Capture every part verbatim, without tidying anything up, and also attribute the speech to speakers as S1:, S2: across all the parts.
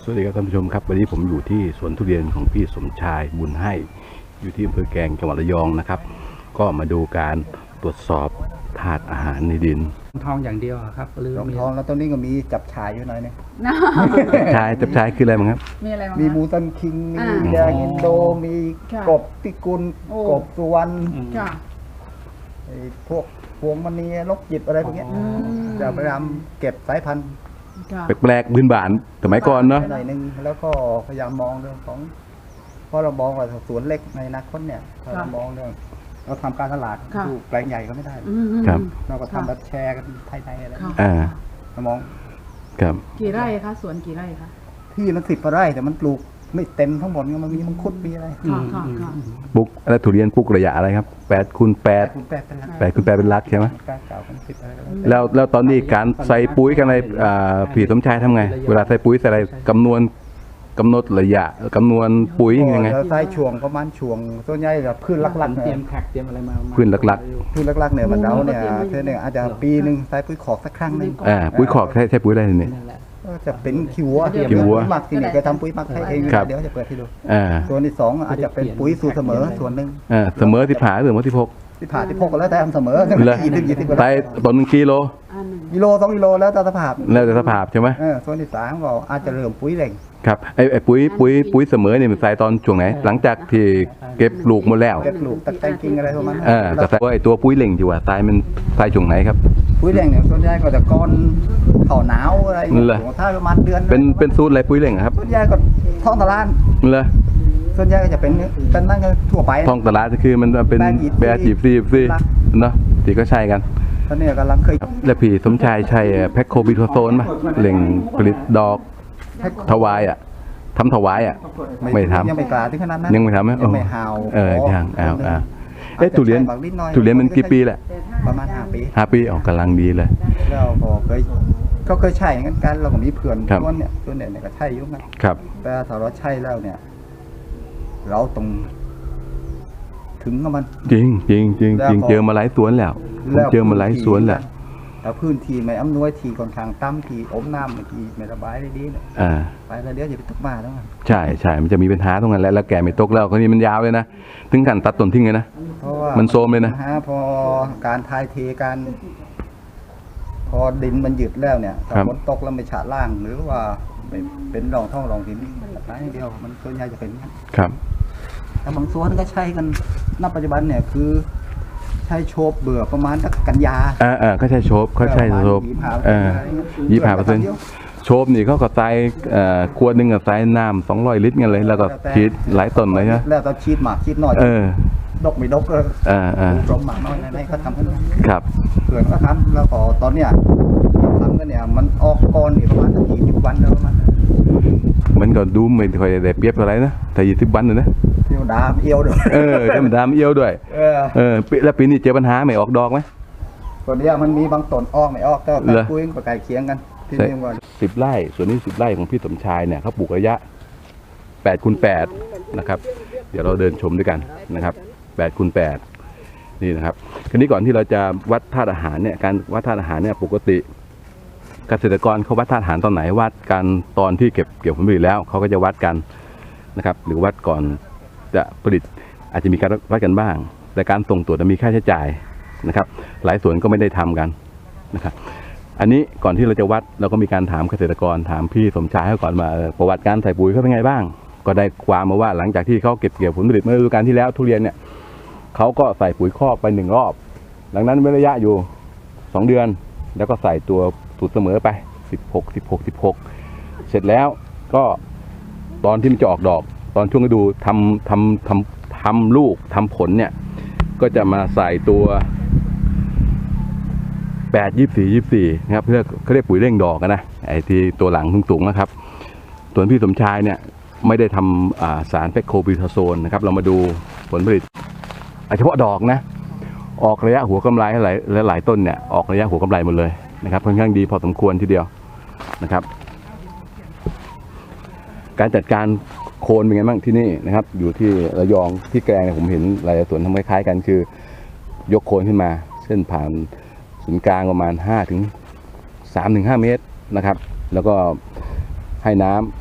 S1: สวัสดีครับท่านผู้ชมครับวันนี้ผมอยู่ที่สวนทุเรียนของพี่สมชายบุญให้อยู่ที่อำเภอแกลงจังหวัดระยองนะครับก็มาดูการตรวจสอบธาตุอาหารในดิน
S2: ทองอย่างเดียวครับหรือ
S3: รองทองแล้วตรงนี้ก็มีจับฉายอยู่หน่อยนึง
S1: จับชายจับชายคืออะไรมั้งครับ
S4: มีอะไรบ้าง
S3: มีมูตันคิงมีแดงอินโดมีกบพิกุลกบสุวรรณไอ้พวกพวงมณีลกจิบอะไรพวกนี้จะพยายามเก็บสายพันธุ์
S1: แปลกๆพื้นบ้านสมัยก่อนเนาะ
S3: หน่อยนึงแล้วก็พยายามมองเรื่องของเพราะเรามองว่าสวนเล็กในอนาคตเนี่ยเรามองเรื่องเราทำการตลาดดูแปลงใหญ่ก็ไม่ได้
S1: ครับ
S3: เราก็ทำแบบแชร์กันภายในอะไร
S1: อ่า
S3: เรามอง
S1: ครับ
S4: กี่ไร่คะสวนกี่ไร่คะ
S3: ที่มันสิบกว่าไร่แต่มันปลูกไม่เต็มทั้งหมดมันมีมังคุดมีอะไร
S1: ปลูกอะไรทุเรียนปลูกระยะอะไรครับแปดคูณแปดแปดคูณแปดเป็นลักใช่ไหมแล้วแล้วตอนนี้การใส่ปุ๋ยกันอะไรผีสมชายทำไงเวลาใส่ปุ๋ยใส่อะไรกำนวณกำหนดระยะกำนวณปุ๋ยยังไง
S3: ใส่ช่วงประมาณช่วงส่วนใหญ่แบบพืชหลักๆ
S2: เตรียมแขกเตรียมอะไรมา
S1: พืชหลัก
S3: ๆพืชหลักๆเนี่ยมันเราเนี่ยเท่านี้อาจจะปีหนึ่งใส่ปุ๋ยขอกสักครั้งนึง
S1: อ่าปุ๋ยขอกใช้ใช้ปุ๋ยอะไรนี่
S3: ก็จะเป็นขี้วัว
S1: ขี้วัว
S3: หมักที่นี่เคยทำปุ๋ยหมักให้เองเดี๋ยวจะเปิดให้ดูส่วนที่สองอาจจะเป็นปุ๋ยสูตรเสมอส่วนหนึ่ง
S1: เสมอที่ผ่าหรือว่าที่พก
S3: ที่ผ่าที่พกก็แล้วแต่ทำเสมอ
S1: ยี่สิบยี่สิบไปต้นหนึ่งกิโล
S3: กิโลสองกิโลแล้วแต่สภาพ
S1: แล้วแต่สภาพใช่ไหม
S3: ส่วนที่สามก็อาจจะเริ่มปุ๋ยเร่ง
S1: ครับไอ้ไอ้ปุ๋ยปุ๋ยปุ๋ยเสมอเนี่ยมันใส่ตอนช่วงไหนหลังจากที่เก็บลูกหมดแล้ว
S3: เก็บลูกตัดแต่งกิ่งอะไรประมาณนั้น
S1: เออแต่ว่าไอ้ตัวปุ๋ยเร่งที่ว่าตายมันตายช่วงไหนครับ
S3: ปุ๋ยเร่งเนี่ยส่วนใหญ่ก็จะก้อนเข่าหนาวอะไรถ้าประมาณเดือน
S1: เป็นเป็นสูตรอะไรปุ๋ยเร่งครับ
S3: ส่วนใหญ่ก็ท้องตลาด
S1: เลย
S3: ส่วนใหญ่ก็จะเป็นเป็นนั่นก็ทั่วไป
S1: ท้องตลาดคือมันเป็นแบร์จีบซีซีเนาะที่ก็ใช่กัน
S3: ตอนนี้กำลังเคย
S1: แล้วพี่สมชายใช้แพคโคบิโทโซนป่ะเร่งผลิตดอกถวายอ่ะทำถวายอ่ะไม่ทำ
S3: ยังไม่กล้าถึงขนาดนั้น
S1: ยังไม่ทำไหม
S3: ยังไม่หาว
S1: เออยังอ้าวอ้าวเอ๊ะทุเรียนทุเรียนมันกี่ปีแหละ
S3: ประมาณห้าปี
S1: ห้าปีออกกำลังดีเลย
S3: แล้วก็เคยก็เคยใช่งั้นกันเราก็มีเพื่อนต้นเนี่ยต้นเนี่ยก็ใช่ยุ่งนะครับแต่ถ้าเราใช่แล้วเนี่ยเราต้องถึงกับมัน
S1: จริงจริงจริงจริงเจอมาหลายสวนแล้วเจอมาหลายสวนแหละ
S3: แล้วพื้นที่ไม่อำนวยที่ค่อนข้างต่ำที่อมน้ำที่ไม่ระบายได้ดีเนี่ยไปแล้วเดี๋ยวจะไปตกมาแล้ว
S1: ใช่ใช่มันจะมีปัญหาตรงนั้นแล้วแล้วแกไม่ตกแล้วคนนี้มันยาวเลยนะถึงขั้นตัดต้นทิ้งเลยนะมันโซมเลยนะ
S3: พอการทายเทการพอดินมันหยุดแล้วเนี่ยถ้าฝนตกแล้วไม่ฉาล่างหรือว่าเป็นรองท่องรองดินตายเดียวมันส่วนใหญ่จะเป็น
S1: ครับ
S3: แต่บางส่วนก็ใช้กันณปัจจุบันเนี่ยคือใช้โชบเบื่อประมาณกันยา
S1: อ่าอ่าก็ใช้โชบเขาใช้โชบอ่ายี่สิบห้าเปอร์เซ็นต์โชบนี่เขาก็ใส่เอ่อขวดหนึ่งกับใส่น้ำสองร้อยลิตรกันเลยแล้วก็ฉีดหลายต้นเลยนะ
S3: แล้วก็ฉีดหมากฉีดหน่อย
S1: เออ
S3: ดกไม่ดกก็
S1: อ่าอ่า
S3: ลมหมากน้อยในเขาทำกัน
S1: ครับ
S3: เขื่อนก็ทำแล้วก็ตอนเนี้ยทำกันเนี่ยมันออกก่อนนี่ประมาณสักยี่สิบวันแล้วประมาณ
S1: มันก็ดูไม่ค่อยได้เปรียบอะไรนะแต่ยี่สิบวันเลยนะ
S3: เที่ยวดามเอี้ยวด้วย
S1: เออเที่ยวดามเอี้ยวด้วยเออเออแล้วปีนี้เจอปัญหาไม่ออกดอกไหม
S3: ตอนนี้มันมีบางต้นออกไม่ออกก็คุยประกายเคียงกันที่นี่ว่า
S1: สิบไร่ส่วนนี้สิบไร่ของพี่สมชายเนี่ยเขาปลูกระยะแปดคูณแปดนะครับเดี๋ยวเราเดินชมด้วยกันนะครับแปดคูณแปดนี่นะครับคราวนี้ก่อนที่เราจะวัดธาตุอาหารเนี่ยการวัดธาตุอาหารเนี่ยปกติเกษตรกรเขาวัดธาตุอาหารตอนไหนวัดกันตอนที่เก็บเกี่ยวผลผลิตแล้วเขาก็จะวัดกันนะครับหรือวัดก่อนจะผลิตอาจจะมีการวัดกันบ้างแต่การส่งตรวจมีค่าใช้จ่ายนะครับหลายส่วนก็ไม่ได้ทำกันนะครับอันนี้ก่อนที่เราจะวัดเราก็มีการถามเกษตรกรถามพี่สมชายเขาก่อนมาประวัติการใส่ปุ๋ยเขาเป็นไงบ้างก็ได้ความมาว่าหลังจากที่เขาเก็บเกี่ยวผลผลิตเมื่อฤดูกาลที่แล้วทุเรียนเนี่ยเขาก็ใส่ปุ๋ยคอกไปหนึ่งรอบหลังนั้นเว้นระยะอยู่สองเดือนแล้วก็ใส่ตัวสูตรเสมอไปสิบหก สิบหก สิบหกเสร็จแล้วก็ตอนที่มันจะออกดอกตอนช่วงฤดูทำทำทำทำลูกทำผลเนี่ยก็จะมาใส่ตัวแปดยี่สี่ยี่สี่นะครับเพื่อเขาเรียกปุ๋ยเร่งดอกนะไอ้ที่ตัวหลังสูงๆนะครับส่วนพี่สมชายเนี่ยไม่ได้ทำสารแพคโคบิโทโซนนะครับเรามาดูผลผลิตเฉพาะดอกนะออกระยะหัวกำไรหลายหลายต้นเนี่ยออกระยะหัวกำไรหมดเลยนะครับค่อนข้างดีพอสมควรทีเดียวนะครับการจัดการโคนเป็นไงบ้างที่นี่นะครับอยู่ที่ระยองที่แกลงเนี่ยผมเห็นหลายสวนทำคล้ายๆกันคือยกโคนขึ้นมาเส้นผ่านศูนย์กลางประมาณห้าถึงสามถึงห้าเมตรนะครับแล้วก็ให้น้ำ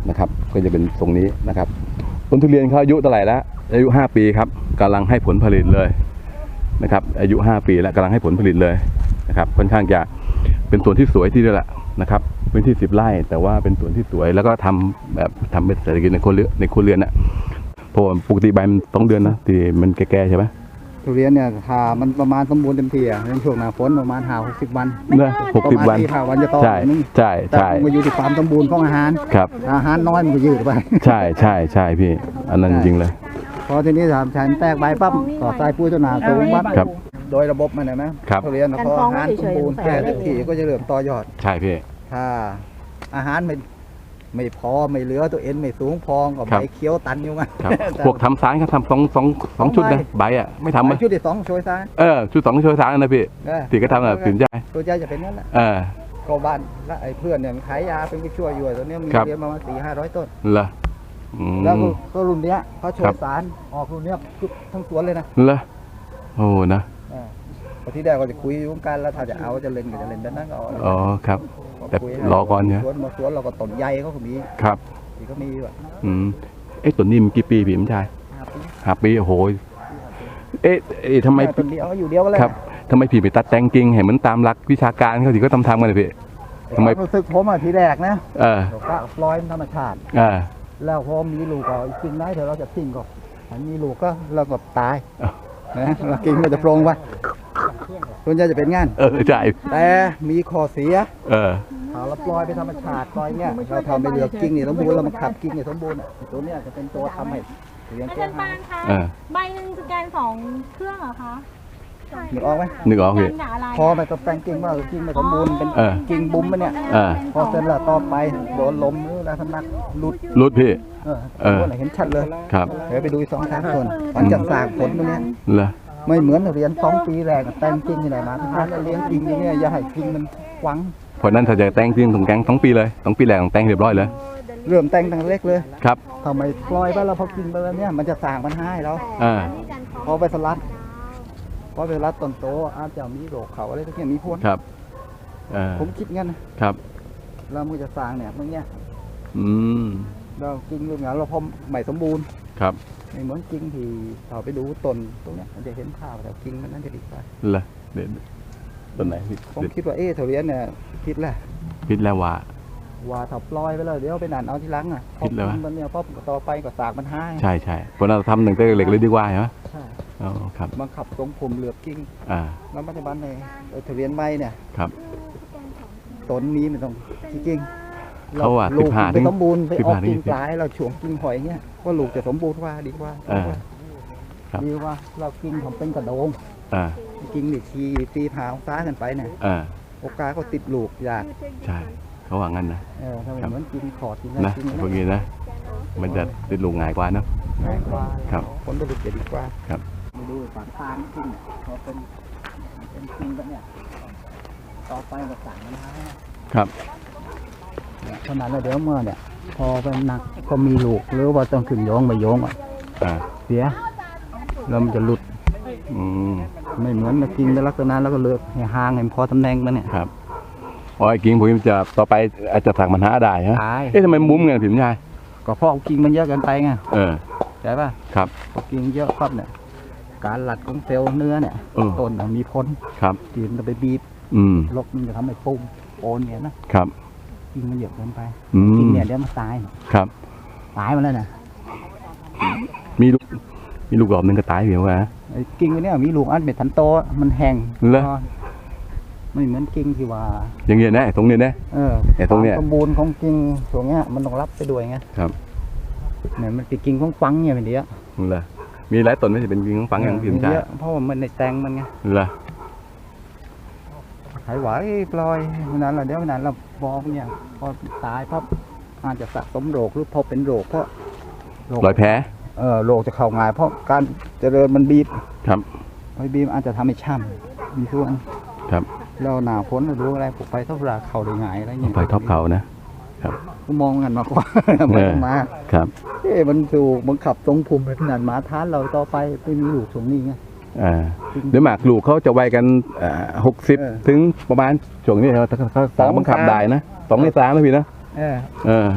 S1: นะครับก็จะเป็นทรงนี้นะครับต้นทุเรียนเขาอายุเท่าไหร่แล้วอายุห้าปีครับกำลังให้ผลผลิตเลยนะครับอายุห้าปีแล้วกำลังให้ผลผลิตเลยนะครับค่อนข้างจะเป็นสวนที่สวยที่เดียวแหละนะครับพื้นที่สิบไร่แต่ว่าเป็นสวนที่สวยแล้วก็ทำแบบทำเป็นเศรษฐกิจในครัวเรือนในครัวเรือนน่ะเพราะว่าปกติใบมันต้องเดือนนะที่มันแก่ๆใช่ไหม
S3: ทุเรียนเนี่ยถ้ามันประมาณสมบูรณ์เต็มที่อ่ะในช่วงหน้าฝนประมาณห้าหกสิบวัน
S1: เนอะหกสิบวัน
S3: ประมาณสี่ห้าวันจะโต
S1: ใช่
S3: นึง
S1: ใช่
S3: แต่
S1: ใช่
S3: มันอยู่ที่ความสมบูรณ์ของอาหาร
S1: ครับ
S3: อาหารน้อยมันก็ยืดไป
S1: ใช่ใช่ใช่พี่อันนั้นจริงๆเลย
S3: พอทีนี้ถามฉันแตกใบปั๊บก็ใส่ปุ๋ยตัวหนาสูงปั๊บ
S1: ครับ
S3: โดยระบบมันนะนะครับ ทุเรียนพออาหารสมบูรณ์แก่เต็มที่ก็จะเริ่มต่อยอด
S1: ใช่พี่
S3: ถ้าอาหารไม่ไม่พอไม่เหลือตัวเอ็นไม่สูงพองก็
S1: ครั
S3: ใบบ เคี้ยวตันอยู่ไง
S1: ครับพวกทำสารเขาทำสองสองสองชุดนะใบอ่ะไม่ทำ
S3: มา
S1: อ่ะ
S3: ชุดที่สองช่วยซ้าย
S1: เออชุดสองช่วยสารนะพี่
S3: เออ
S1: ที่ก็ทำแบบสินใจ
S3: ตัวใจจะเป็นนั่นแหละ
S1: เออ
S3: ก็บ้านและไอ้เพื่อนเนี่ยมันขายยาเป็นผู้ช่วยอยู่ตัวเนี้ยมี
S1: ครับ
S3: เรียนประมาณสี่ห้าร้อยต้น
S1: เหรออืม
S3: แล้วก็ก็รุ่นเนี้ยเขาช่ว
S1: ครั
S3: ย
S1: บ
S3: สารออกรุ่นเนี้ยทุกทั้งสวนเลยนะ
S1: เหรอโอ้นะ
S3: เออพอที่แรกก็จะคุยอยู่กันแล้วถ้าจะเอาจะเล่นก็จะเล่นแบบนั้นก็เอา
S1: อ๋อครับ แต่
S3: คุย
S1: รอก่อนเนี่ย
S3: สวนบางสวนเราก็ต้นใหญ่เขาก็มี
S1: ครับ
S3: ที่เขามีแบบ
S1: อืมเอ๊ะตัวนี้มันกี่ปีพี่ผมชาย
S3: ห้าปี
S1: ห้าปีโอ้โหเอ๊ะเอ๊ะทำไม
S3: ต้นเดียวอยู่เดียวก็เลย
S1: ครับทำไมพี่ไปตัดแต่งกิ่งให้เหมือนตามหลักวิชาการเขาที่ก็ทำทำกันเลยพี่ ทำไม
S3: ความรู้สึกผมอ่ะทีแรกนะ
S1: เออ
S3: เราก็ปล่อยมันธรรมชาติ
S1: เออ
S3: แล้วพอมีลูกก็กิ่งไหนเดี๋ยวเราจะทิ้งก็อันมีลูกก็เราก็ตาย
S1: อ้าว
S3: นะเรากิ่งมันจะโปร่งไปส่วนใหญ่จะเป็นงาน
S1: เออใช่
S3: แต่มีข้อเสีย
S1: เออ
S3: ถ้าเราปล่อยไปธรรมชาติปล่อยเงี้ยเราทำไปเหลือกกิ่งนี่สมบูรณ์เรามาขับกิ่งนี่สมบูรณ์อ่ะตัวเนี้ยจะเป็นตัวทำให้เรียน
S5: อา
S3: แก้
S5: จารย์
S3: หา
S5: ปาย นคะ
S1: เออ
S5: ใบหนึ่งสแกนสองเครื่องเหรอคะ
S3: นึกออกไหม
S1: นึกออกพี่
S5: สแกนกับอะไร
S3: พอไปกับแต่งกิ่งว่ากิ่งไม่สมบูรณ์เป็น
S1: เออ
S3: กิ่งบุ้มมันเนี่ย
S1: เออ
S3: พอเสร็จแล้วต่อไปโดนลมหรืออะไรทั้งนั้นหลุด
S1: รุดพี่
S3: เออ
S1: เออ
S3: ตัวไหนเห็นชัดเลย
S1: ครับ
S3: เดี๋ยวไปดูอีกสองสามคนมันจะสร้างผลตรงเนี้ย
S1: เหรอ
S3: ไม่เหมือนเรียนสองปีแรกแต่งกิ่งที่ไหนมาทุกครั้งเลี้ยงกิ่งอย่างเงี้ยอย่าให้กิ่งมันหวัง
S1: เพราะนั้นถ้าจะแต่งจริงต้องแต่งสองปีเลยสองปีแรกต้องแต่งเรียบร้อยเลย
S3: เริ่มแต่งตั้งแต่เล็กเลย
S1: ครับ
S3: ทำไมปล่อยไปแล้วพอกิ่งไปแล้วเนี่ยมันจะสร้างปัญหาให้เรา
S1: อ่า
S3: พอไปสลัดพอไปสลัดต้นโตอาจจะมีโรคเขาอะไรทุกอย่างมีพวก
S1: ครับเออ
S3: ผมคิดงั้นนะครับ แล้วมันจะสร้างเนี่ยตรงเนี้ย
S1: อืม
S3: เรากิ่งเรื่องงานเราพอไม่สมบูรณ์
S1: ครับ
S3: ไม่เหมือนกิ่งที่เราไปดูต้นตรงเนี้ยมันจะเห็นภาพแต่กิ่งมันนั่นจะดีกว่า
S1: เหรอเด็ดต้นไหนพี่
S3: ผมคิดว่าเอ๊ะเถาเรียนเนี่ยคิดแหละ
S1: พิษแล้วว่า
S3: ว่าถ้าปล่อยไปแล้วเดี๋ยวไปนั่นเอาทีหลังอ่ะ
S1: คิดเลยวะ
S3: มันเนี่ยพอต่อไปก็สร้างปัญหา
S1: ใช่ใช่เพราะนั้นเราทำหนึ่งแต่เล็กเลยดีกว่าใช่ไหม
S3: ใช่
S1: อ๋อครับ
S3: บังคับตรงผมเหลือบกิ่ง
S1: อ่า
S3: แล้วปัจจุบันในเถาเรียนไม้เนี่ย
S1: ครับ
S3: ต้นนี้มันต้องกิ่ง
S1: เขาว่า
S3: ลูก
S1: สิบห้า
S3: ไปสมบูรณ์ไป
S1: สิบ
S3: ออก
S1: ห้า
S3: กิ่ง
S1: ถึง
S3: ปลายเราช่วงกิ่งหอยเงี้ยว่าลูกจะสมบูรณ์กว่าดีกว่า
S1: เออครับ
S3: ดีกว่าเรากิ่งทำเป็นกระโดง
S1: อ่า
S3: กิ่งนี่ทีตีผาองศากันไปเนี่ย
S1: อ่า
S3: โอกาสก็ติดลูกยาก
S1: ใช่เขาว่างั้นนะ
S3: เออถ้า
S1: ครับ
S3: เหมือนกิ่งขอดกิ่ง
S1: นะ
S3: กิ่ง
S1: พวกนี้นะมันจะติดลูกง่ายกว่าเนอะ
S3: ง่ายกว่า
S1: ครับ
S3: ผลผลิตจะดีกว่า
S1: ครับ
S3: มาดูปากทางกิ่งเนี่ยพอเป็นเป็นกิ่งแบบเนี่ยต่อไปก็สั่งมันให้
S1: ครับ
S3: เนี่ยขนาดเราเดี๋ยวเมื่อเนี่ย พอเป็นหนักก็มีลูกหรือว่าต้องขึ้นโยงไปโยงอ่ะ
S1: อ่า
S3: เสียแล้วมันจะหลุด
S1: อืม
S3: ไม่เหมือนกับกิ่งในลักษณะแล้วก็เลือกให้ห่างให้มันพอตำแหน่งมันเนี่ย
S1: ครับอ๋อไอ้กิ่งผมจะต่อไปอาจจะสั่งปัญหาได้ฮะ
S3: ตาย
S1: เอ๊ะทำไมมุ้มเงินผิวชาย
S3: ก็เพราะกิ่งมันเยอะเกินไปไง
S1: เออ
S3: ใช่ป่ะ
S1: ครับ
S3: พอกิ่งเยอะปั๊บเนี่ยการหลัดของเซลล์เนื้อเนี่ย
S1: เออ
S3: ต้นน่ะมีผล
S1: ครับ
S3: กิ่งจะไปบีบ
S1: อืม
S3: ลบมันจะทำให้ปุ่มโอนเนี่ยนะครับ กิ่งมันเยอะเกินไป
S1: อื
S3: กิ่ง
S1: ม
S3: เนี่ยเดี๋ยวมันตาย
S1: ครับ
S3: ตายมาแล้วนะ
S1: มีลูกมีลูกหลอมหนึ่งก็ตายเหี่ยวฮะ
S3: ไอ้กิ่งอันเนี้ยมีลูกอันเป็นทันโตมันแห้ง
S1: เหรอ
S3: ไม่เหมือนกิ่งที่ว่า
S1: อย่างเงี้ยนะไอ้ตรงเนี้ยนะ
S3: เออ
S1: ไอ้ตรงเนี้ย
S3: ความสมบูรณ์ของกิ่งตรงเนี้ยมันต้องรับไปด้วยไง
S1: ครับ
S3: เนี่ยมันเป็นกิ่งของฟังเนี่ยเป็นเดียว
S1: เหรอมีหลายต้นไม่ใช่เป็นกิ่งของฝังอย่างผิวชาย
S3: เยอะเพราะว่ามันในแตงมันไง
S1: เหรอ
S3: หายไหวปล่อยวันนั้นเราเดี๋ยววันนั้นเราบอกเนี่ยพอตายปั๊บอาจจะสะสมโรคหรือพอเป็นโรคเพราะโรค
S1: รอยแผล
S3: เออโรคจะเข้าง่ายเพราะการเจริญมันบีบ
S1: ครับ
S3: ไอ้บีบอาจจะทำให้ช้ำมีส่วน
S1: ครับ
S3: เราหนาพ้นเราดูอะไรปลูกไปเท่าไรเข่าได้ง่ายอะไรเงี้ย
S1: ไฟท็อปเขานะ
S3: กูมองกันมากกว่า ไม่ต้องมา
S1: ครับ
S3: เอ๊ะมันถูกบังคับตรงภูมิขนาดหมาทานเราต่อไปไม่มีลูกตรงนี้ไง
S1: อ่าเดี๋ยวหมากลูกเขาจะไวกันหกสิบ
S3: เออ
S1: ถึงประมาณช่วงนี้เขาเขาสามบังคับได้นะสองในสามนะพี่นะ
S3: เออ
S1: เออ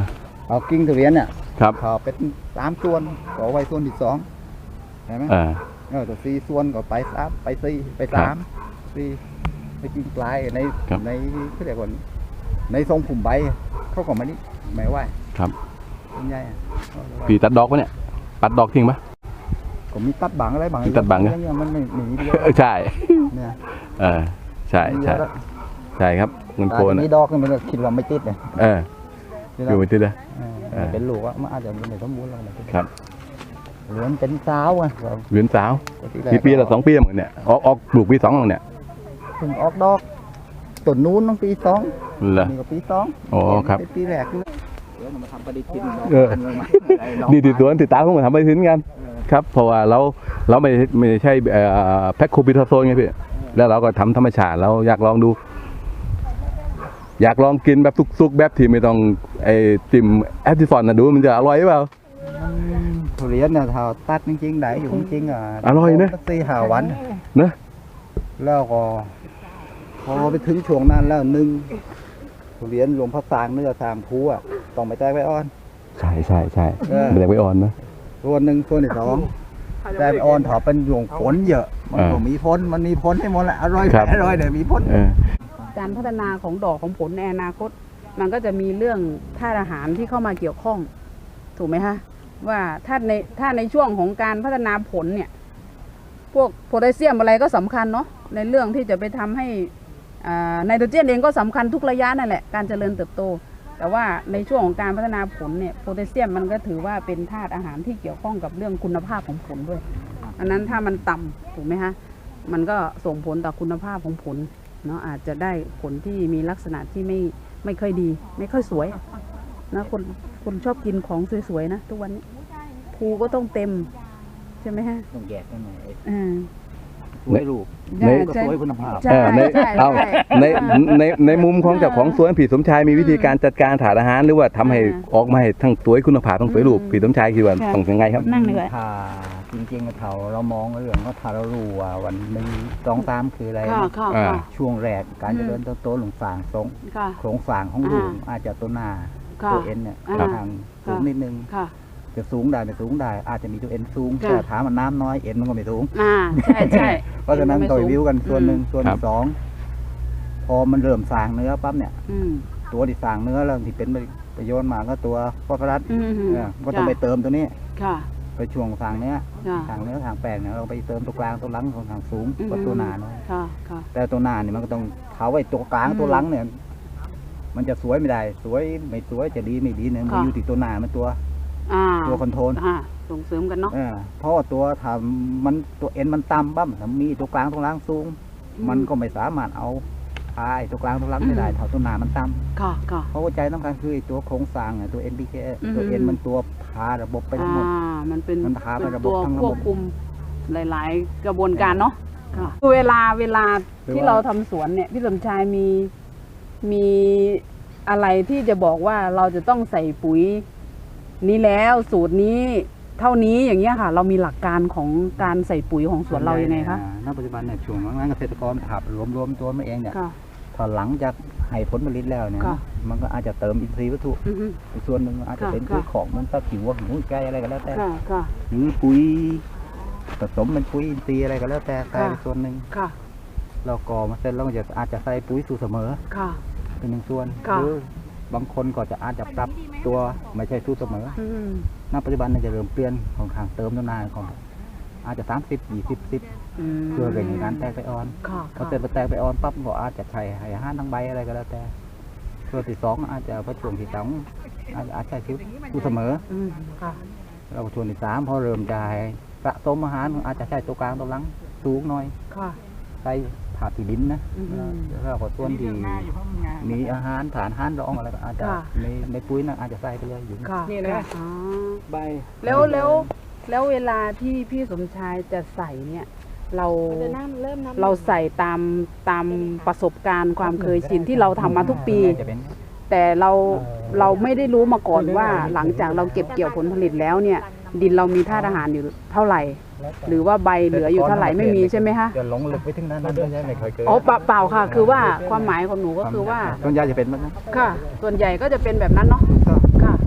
S3: เอากิ่งทุเรียนเนี่ย
S1: ครับ
S3: เขาเป็นสามส่วนก็เอาไว้ส่วนที่สองเห็นไหม
S1: อ่า
S3: เออตัวสี่ส่วนก็ไปสามไปสี่ไปสามสี่ไปกิ่งปลายใน
S1: ครับ
S3: ในเขาเรียกว่าในทรงผุ่มใบเขาก็ไม่นี่ไม่ไหว
S1: ครับ
S3: เป็นไงอะ
S1: พี่ตัดดอกปะเนี่ยปัดดอกทิ้งปะ
S3: ก็มีตัดบางอะไรบาง
S1: มีตัดบางนะ
S3: เรื่องมันไม่หนีเดียว
S1: เออใช่
S3: เนี่ย
S1: เออใช่ใช่ใช่ครับเงินโคน
S3: แต่
S1: อะ
S3: มีดอกนี่มันก็คิดว่าไม่ติดเลย
S1: เอออยู่ไปที่เด้อ
S3: เออ
S1: เออ
S3: เป็นลูกว่ามันอาจจะไม่สมบูรณ์แล้วนะ
S1: ครับ
S3: เหลือนเป็นสาวไงก็
S1: เหรียญสาว
S3: ที่แร
S1: กี่ปีละสองปีเหมือนเนี่ยออกออกปลูกปีสองแล้วเนี่ย
S3: เพิ่งออกดอกต้นนู้นต้องปีสอง
S1: เหรอ
S3: นี่ก็ปีสอง
S1: อ๋อครับ
S3: เป็นปีแรกเลยเดี๋ยวมาทำปฏิทิน
S1: เออ ดีติดสวนติดตามพวกมันทำไปถึงกันครับเพราะว่าเราเราไม่ไม่ใช่แพ็คโคบิทาโซนไงพี่แล้วเราก็ทำธรรมชาติเราอยากลองดู อยากลองกินแบบสุกๆแบบที่ไม่ต้องไอ้จิ้มแอปติฟอนนะดูมันจะอร่อยหรือเปล่า
S3: ทุเรียนเนี่ยถ้าตัดจริงๆได้อยู่จริงๆอ่ะ
S1: อร่อยนะ
S3: สี่ห้าวัน
S1: นะ
S3: แล้วก็พอไปถึงช่วงนั้นแล้วหนึ่งทุเรียนหลวงพ่อสร้างเนื้อสร้างภูอ่ะต้องไปแตกไปอ่อน
S1: ใช่ใช่ใช่
S3: เออ
S1: ไม่ได้ไว้อ่อนนะ
S3: ส่วนหนึ่งส่วนที่สองแตกไปอ่อนถอเป็นหลวงฝนเยอะมันก็
S1: อ่ามี
S3: มีพ้นมันมีพ้นให้หมดแหละอร่อย
S1: ครับ
S3: อร่อยเนี่ยมีพ้น
S1: เออ
S4: การพัฒนาของดอกของผลในอนาคต มันก็จะมีเรื่องธาตุอาหารที่เข้ามาเกี่ยวข้อง ถูกไหมคะว่าถ้าในถ้าในช่วงของการพัฒนาผลเนี่ย พวกโพแทสเซียมอะไรก็สำคัญเนาะในเรื่องที่จะไปทำให้อ่าไนโตรเจนเองก็สำคัญทุกระยะนั่นแหละการเจริญเติบโต แต่ว่าในช่วงของการพัฒนาผลเนี่ยโพแทสเซียมมันก็ถือว่าเป็นธาตุอาหารที่เกี่ยวข้องกับเรื่องคุณภาพของผลด้วยอันนั้นถ้ามันต่ำถูกไหมคะมันก็ส่งผลต่อคุณภาพของผลเนาะอาจจะได้ผลที่มีลักษณะที่ไม่ไม่ค่อยดี ไม่ค่อยสวยนะคนคนชอบกินของสวยๆนะทุกวันนี้ภูก็ต้องเต็มใช่ไหมฮะ
S3: ต้องแยกกันหน่อย
S4: อ่า
S3: สวยรูป
S4: ใช่
S3: ก็
S4: ใช่
S3: สวยคุณภาพ
S4: ใช่
S1: เออใน
S4: ใช่
S1: เอา
S4: ใช่
S1: ในในในมุมของเจ้าของสวนผีสมชายมีวิธีการจัดการถาดอาหารหรือว่าทำให้
S4: อ่า
S1: ออกมาให้ทั้งสวยคุณภาพทั้งสวยรูป
S4: อืม
S1: ผีสมชายคิดว่า
S4: ค่ะ
S1: ต้องยังไงครับ
S4: นั่งเลยก่อน
S3: ถ้าจริงๆเราเรามองเรื่องว่าถ้าเรารู้ว่าวันหนึ่งสองสามคืออะไร
S4: ค่ะ
S3: นะ
S4: ค่ะ
S1: อ่า
S4: ค่ะ
S3: ช่วงแรกการ
S4: อืม
S3: เจริญเติบโตหลงสร้างทรง
S4: ค่ะ
S3: โครงสร้างของลูก
S4: อ่า
S3: อาจจะตัวหน้า
S4: ค่ะ
S3: ตัวเอ็นเนี่ย
S4: อ่า
S3: ค่อนข้างสูง
S4: ค่ะ
S3: นิดนึง
S4: ค่ะ
S3: จะสูงได้ไม่สูงได้ อาจจะมีตัวเอ็นสูง
S4: ค่ะ
S3: แต่ถามมันน้ำน้อยเอ็นมันก็ไม่สูง
S4: อ่าใช่ใช่
S3: เพราะฉะนั้น
S4: ไม่
S3: ต่อย
S4: สูง
S3: วิวกันส่วนหนึ่ง
S4: อืม
S3: ส่วน
S1: ครับ
S3: ที่สองพอมันเริ่มสร้างเนื้อปั๊บเนี่ย
S4: อืม
S3: ตัวที่สร้างเนื้อแล้วที่เป็นประโยชน์มากก็ตัวฟอสฟอรัส
S4: อืม
S3: เนี่ยก็ต้องไปเติมตัวนี้
S4: ค่ะ
S3: ไปช่วงสร้างเนื้อ
S4: ค่ะ
S3: ทางเนื้อทางแป้งเนี่ยเราไปเติมตัวกลางตัวหลังของทางสูง
S4: อืม
S3: กว่าตัวหนาเนาะ
S4: ค่ะค่ะ
S3: แต่ตัวหนาเนี่ยมันก็ต้องเขาไว้ตัวกลาง
S4: อืม
S3: ตัวหลังเนี่ย มันจะสวยไม่ได้ สวยไม่สวยจะดีไม่ดีเนี่ยมัน
S4: ค่ะ
S3: อยู่ที่ตัวหนามันตัว
S4: อ่า
S3: ตัวคอนโทรล
S4: อ่าส่งเสริมกันเนาะ
S3: เออเพราะว่าตัวทำมันตัวเอ็นมันต่ำปั๊บถ้ามีตัวกลางตัวหลังสูง
S4: อืม
S3: มันก็ไม่สามารถเอาพายตัวกลางตัวหลังไม่ได้
S4: อืม
S3: เท่าตัวหนามันต่ำ
S4: ค่ะค่ะ
S3: เพราะว่าใจต้องการคือไอ้ตัวโครงสร้างอะตัว เอ็น พี เค
S4: อืม
S3: ตัวเอ็นมันตัวพาระบบไปทั้งหมด
S4: อ่ามันเป็น
S3: มันพาไป
S4: เป็น
S3: ระบบ
S4: ตัว
S3: ทั้งระบบ
S4: ควบคุมหลาย ๆ กระบวนการเนาะค่ะคือเวลาเวลา
S3: คือ
S4: ที่
S3: ว่า
S4: เราทำสวนเนี่ยพี่สมชายมีมีอะไรที่จะบอกว่าเราจะต้องใส่ปุ๋ย นี้แล้วสูตรนี้เท่านี้อย่างเงี้ยค่ะ เรามีหลักการของการใส่ปุ๋ยของสวนเรายังไงคะ
S3: อ่าณปัจจุบันเนี่ยช่วงนั้นเกษตรกรขับรวมรวมตัวมาเองเนี่ย
S4: ค่ะ
S3: พอหลังจากให้ผลผลิตแล้วเนี่ย
S4: ค่ะ
S3: มันก็อาจจะเติมอินทรีย์วัตถุ
S4: อือฮึ
S3: อีกส่วนหนึ่งอาจจะ
S4: ค่ะ
S3: เป็น
S4: ค่ะ
S3: ปุ๋ยของเหมันตะผิวหิวไก่อะไรก็แล้วแต่
S4: ค่ะค่ะ
S3: หรือปุ๋ยผสมเป็นปุ๋ยอินทรีย์อะไรก็แล้วแต่ใส่
S4: ค่ะ
S3: ไปส่วนหนึ่ง
S4: ค่ะ
S3: เราก่อมาเสร็จแล้วก็จะอาจจะใส่ปุ๋ยสูตรเสมอ
S4: ค่ะ
S3: เป็นหนึ่งส่วน
S4: ค่ะ
S3: หรือบางคนก็จะอาจจะปรับตัวไม่ใช่สูตรเสมอ
S4: อืม
S3: ณปัจจุบันเนี่ยจะเริ่มเปลี่ยนของทางเติมต้นนาของอาจจะสามสิบยี่สิบสิบ
S4: อืม
S3: เพื่อเร่งการแตกไปอ่อน
S4: ค่ะ
S3: พอเสร็จแตกไปอ่อนปั๊บก็อาจจะใช้ให้อาหารทั้งใบอะไรก็แล้วแต่ตัวที่สองอาจจะพอช่วงที่สองอาจจะอาจจะใช้ชีวิตสูตรเสมอ
S4: อืมค่ะ
S3: แล้วก็ช่วงที่สามพอเริ่มจะให้สะสมอาหารอาจจะใช้ตัวกลางตัวหลังสูงหน่อย
S4: ค่ะ
S3: ใส่ผ่าที่ดินนะ
S4: อืม
S3: แล้วก็ส่วนที่มีอาหารฐานอาหารรองอะไรก็อาจจะ
S4: ค่ะ
S3: ในในปุ๋ยนะอาจจะใส่ไปเลยอยู่
S4: ค่ะ
S3: นี่นะ
S4: อ๋อ
S3: ใบ
S4: แล้วแล้วแล้วเวลาที่พี่สมชายจะใส่เนี่ย เราเราใส่ตามตามประสบการณ์ความเคยชินที่เราทำมาทุกปี
S3: จะเป็น
S4: แต่เราเราไม่ได้รู้มาก่อนว่าหลังจากเราเก็บเกี่ยวผลผลิตแล้วเนี่ย ดินเรามีธาตุอาหารอยู่เท่าไหร่ หรือว่าใบเหลืออยู่เท่าไหร่ไม่มีใช่ไหมคะ
S3: จะหลงลึกไปถึงนั้นนั่นไม่ใช่ไม่เคยเกิด
S4: อ๋อเปล่าเปล่าค่ะ คือว่าความหมายของหนูก็คือว่า
S3: ต้นยาจะเป็นแบบนั้น
S4: ค่ะ ส่วนใหญ่ก็จะเป็นแบบนั้นเนาะค่ะ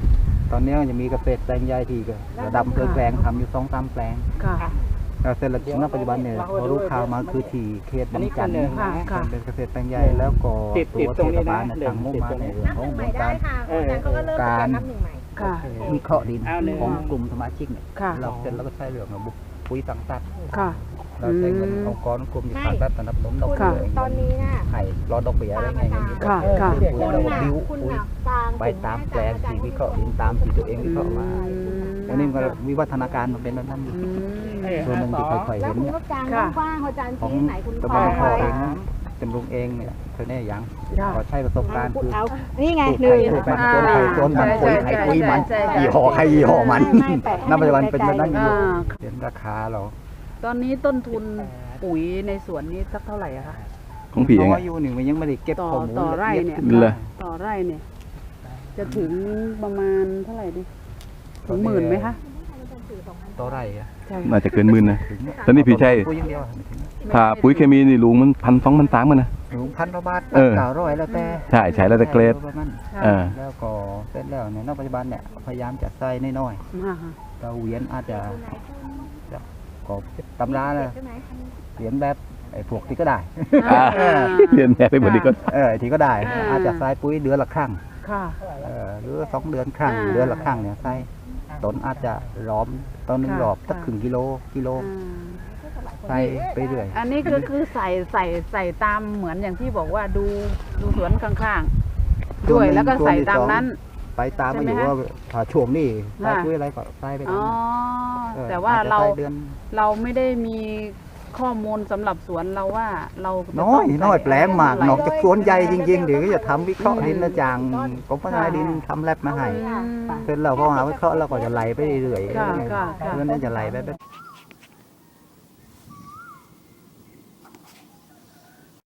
S3: ตอนนี้จะมีเกษตรแปลงใหญ่ที่ก็ระดับอำเภอแกลงทำอยู่สองสามแปลง
S4: ค่ะ
S3: แล้วเสร็จแล้วณปัจจุบันเนี่ยพอรู้ข่าวมาคือที่เขตบางจันทร์
S4: ค่ะค่ะ
S3: เป็นเกษตรแปลงใหญ่แล้วก็ตัวเทศบาลเนี่ยทางมุ่งมาในเรื่องของโครงการการ
S4: ค่ะ
S3: วิเคราะห์ดินของกลุ่มสมาชิกเนี่ย
S4: ค่ะ
S3: เราเสร็จแล้วก็ใช้เรื่องระบบปุ๋ยต่างตัด
S4: ค่ะ
S3: เราใช้เงินองค์กรกลุ่มที่ต่างตัดสนับสนุนดอก
S4: ค่ะ
S3: เบี้ย
S5: ตอนนี้น่ะ
S3: ให้รอดอกเบี้ยอะไรเงี้ยอย่างนี้
S4: ค่ะค่ะ
S3: ปุ๋ย
S5: คุณ
S3: แล้วก็
S5: น่ะ
S3: บิ้ว
S5: คุณ
S3: ปุ๋ย
S5: น่ะกลาง
S3: ไปตามแปลงที่วิเคราะห์ดินตามที่ตัวเองวิเคราะห์มาอันนี้มันก็วิวัฒนาการมันเป็นแบบนั้นอยู่
S4: อืม
S3: ส่วนหนึ่งที่ค่อยๆ
S5: แล้
S3: เห็
S5: วน คุณ
S3: เนี่ย
S5: ก็กลาง
S4: ค่ะ
S5: กว้างๆพอจาน
S3: ของ
S5: ที่ไหนคุณ
S3: ตะ
S5: ค
S3: บ
S5: อน ย
S3: ขอ
S5: ไว้
S3: เองนะเป็นลุงเองเนี่ยเธอเนี่ยยัง
S4: ค่ะ
S3: ขอใช้ประสบการณ์คือ
S5: เอานี่ไง
S3: ปลูก
S5: หนึ่ง
S3: ไข่ปลูกมันต้นไข่ต้นมันปุ๋ยไข่ปุ๋ยมัน
S4: ใช่ใช่ใช่
S3: ยี่ห้อใครยี่ห้อมัน
S5: ไม่ไม่แปะให้
S3: ณปัจจุบันเป็นแบบนั้นอยู่
S4: อ่า
S3: เห็นราคาเรา
S4: ตอนนี้ต้นทุนปุ๋ยในสวนนี้สักเท่าไหร่อะคะ
S1: ของพี่เอง
S3: น้อ
S1: อะ
S3: ยอยู่หนึ่งมันยังไม่ได้เก็บ
S4: ต่อ
S3: ข้อมูล
S4: ต่อไร่
S3: ละอี
S4: เนี่ย
S3: ด
S1: เหรอ
S4: ต่อไร่เนี่ย จะถึงประมาณเท่าไหร่ดิถึงหมื่นไหมคะ
S3: ต่อไร่อะ
S4: ใช่
S1: น่าจะเกินหมื่นนะ
S3: ถึง
S1: ตอนนี้พี่ชัย
S3: ปุ๋ยอย่างเดียวอะไม่ถึง
S1: ถ้าปุ๋ยเคมีนี่ลุงมันพันสองพันสามกันนะ
S3: ถึงพันกว่าบาท
S1: เออ
S3: เก้าร้อยแล้วแต่
S1: ใช่ใช้แล้วแต่เกรด
S3: ประมาณ
S1: เออ
S3: แล้วก็เสร็จแล้วเนี่ยณปัจจุบันเนี่ยพยายามจะใส่น้อย
S4: อ่าฮะ
S3: ๆเราเหวียนอาจจะจะก็ตำราเลย
S5: ใช่ไหม
S3: เหวียนแบบไอ้พวกที่ก็ได้
S1: อ่าเรียนแม่ไปหมดดีก็
S3: เออที่ก็ได้
S4: อ่า
S3: อาจจะใส่ปุ๋ยเดือนละครั้ง
S4: ค่ะ
S3: เออหรือสองเดือนครั้ง
S4: อ่า
S3: เดือนละครั้งเนี่ยใส่ต้นอาจจะล้อมต้นหนึ่ง
S4: ค่ะ
S3: รอบสัก
S4: ค่ะ
S3: ครึ่งกิโลกิโล
S4: อ่า
S3: ใส่ไปเรื่อย
S4: อันนี้คือคือใส่ใส่ใส่ตามเหมือนอย่างที่บอกว่าดูดูสวนข้างๆ ด้วยแล้วก็ใส่ตามนั้น
S3: ไปตาม
S4: ใช่
S3: มา
S4: ไห
S3: อ
S4: ม
S3: ยู่
S4: คะ
S3: ว่าถ้าช่วงนี้ใส่
S4: ค่ะ
S3: ปุ๋ยอะไรก็ใส่ไป
S4: อ๋
S3: ตา
S4: อ
S3: มเออ
S4: แต่ว่า
S3: อจจะ
S4: เรา
S3: ใส่ดือน
S4: เราไม่ได้มีข้อมูลสำหรับสวนเราว่าเราจะ
S3: น้อย
S4: ต้งใส่
S3: น้อยแปลงมาก
S4: เท่ไหร่
S3: นอกจากสวนใหญ่จริงๆเดี๋ยวก็จะทำวิเคราะห์ดินนะจางกรมพัฒนาดินทำแลบมาให้
S4: อืม
S3: เสร็จแล้วพอหาวิเคราะห์เราก็จะไล่ไปเรื่อยๆ
S4: ค่ะค่ะค่ะ
S3: เรื่องนั้นจะไล่ไปแบบ